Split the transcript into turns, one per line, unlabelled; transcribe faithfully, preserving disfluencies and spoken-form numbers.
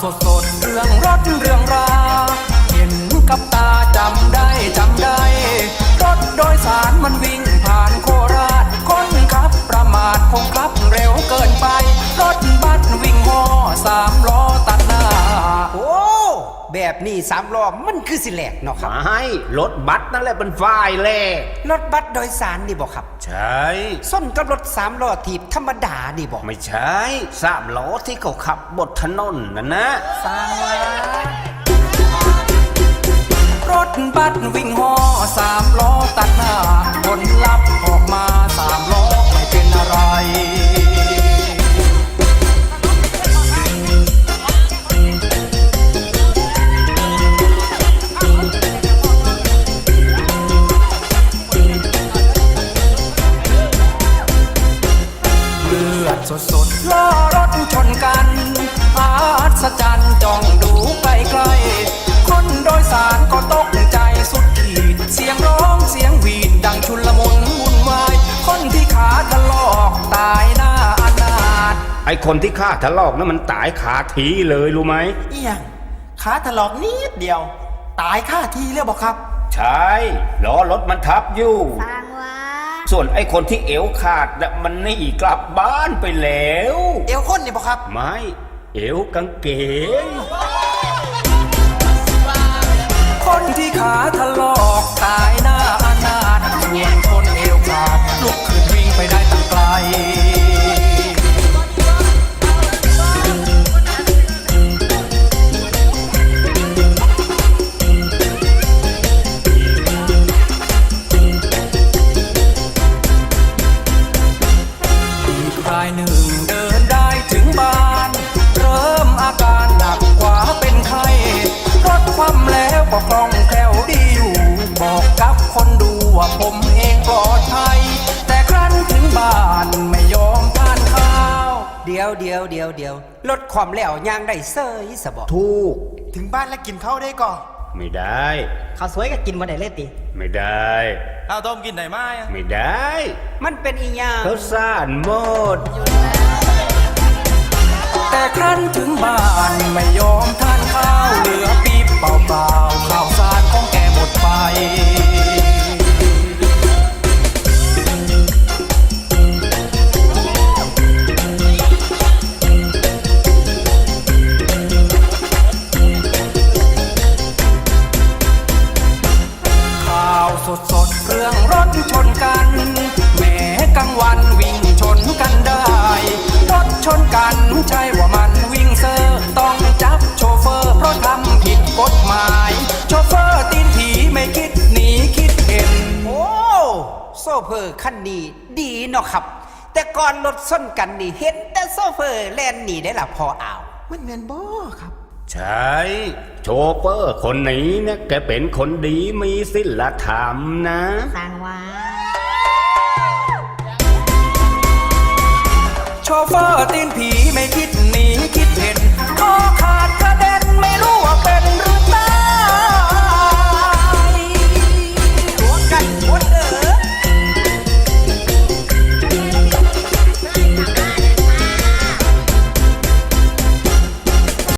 สดๆเรื่องรถเรื่องราเห็นกับตาจำได้จำได้รถโดยสารมันวิ่งผ่านโคราชคนขับประมาทคงขับเร็วเกินไปรถบัสวิ่งห่อสามล้อตัดหน้า
โอ้แบบนี้สามล้อมันคือสิแหลกเนาะครับ
ไม่รถบัสนั่นแหละเป็นฝ่ายแหลก
รถบัสโดยสารนี่บอกครับ
ใช่
ส้นกับรถสามล้อถีบธรรมดานี่บอก
ไม่ใช่สามล้อที่เขาขับบนถนนนั่นนะ
สร้างว่
ารถบัสวิ่งห่อสามล้อตัดหน้าผลลัพธ์ออกมาสามล้อไม่เป็นอะไรเลือดสดๆล้อรถชนกันอัศจรรย์จ้องดูไกลๆคนโดยสารก็ตกใจสุดขีดเสียงร้องเสียงหวีดดังชุลมุนวุ่นวายคนที่ขาถลอกตายหน้าอนาถ
ไอคนที่ขาถลอกนั้นมันตายขาทีเลยรู้ไหม
เอียงขาถลอกนิดเดียวตายค่าทีเลยบอกครับ
ใช่ล้อรถมันทับอยู่
สร้างว่า
ส่วนไอคนที่เอวขาดน่ะมันหนีกลับบ้านไปแล้ว
เอวคนนี่บอกครับ
ไม่เอวกางเกง
คนที่ขาถลอกตายหน้าอนาถส่วนคนเอวขาดลุกขึ้นวิ่งไปได้ตั้งไกลอีกรายหนึ่งเดินได้ถึงบ้านเริ่มอาการหนักกว่าเป็นไข้รถคว่ำแล้วก็คล่องแคล่วดีอยู่บอกกับคนดูว่าผมเองปลอดภัยแต่ครั้นถึงบ้านไม่ยอมทานข้าว
เดี๋ยวเดี๋ยวเดี๋ยวเดี๋ยวลดความแล้วย่างได้เซยสบ
ถูก
ถึงบ้านแล้วกินข้าวได้ก่อน
ไม่ได้
ข้าวสวยก็กินมาได้เลยติ
ไม่ได้
ข้าวต้มกินได้ไหม
ไม่ได้
มันเป็นอีหยัง
ข้าวสารหมด
แต่ครั้นถึงบ้านไม่ยอมทานข้าวเหลือปี๊บเปล่าๆข้าวสารของแกหมดไปข่าวสดๆเรื่องรถชนกันแม้กลางวันวิ่งชนกันได้รถชนกันใช่ว่ามันวิ่งเซอร์ต้องจับโชเฟอร์เพราะทำผิดกฎหมายโชเฟอร์ตีนผีไม่คิดหนีคิดเห็น
โอ้โซเฟอร์คันนี้ดีเนาะครับแต่ก่อนรถส้นกันนี่เห็นแต่โซเฟอร์แล่นหนีได้ละพออ้าว
มันแม่นบ่ครับ
ใช่โชเฟอร์คนนี้เนี่ยแกเป็นคนดีมีศีลธรรมนะ
สร้างว่า
โชเฟอร์ตีนผีไม่คิดหนีคิดเห็น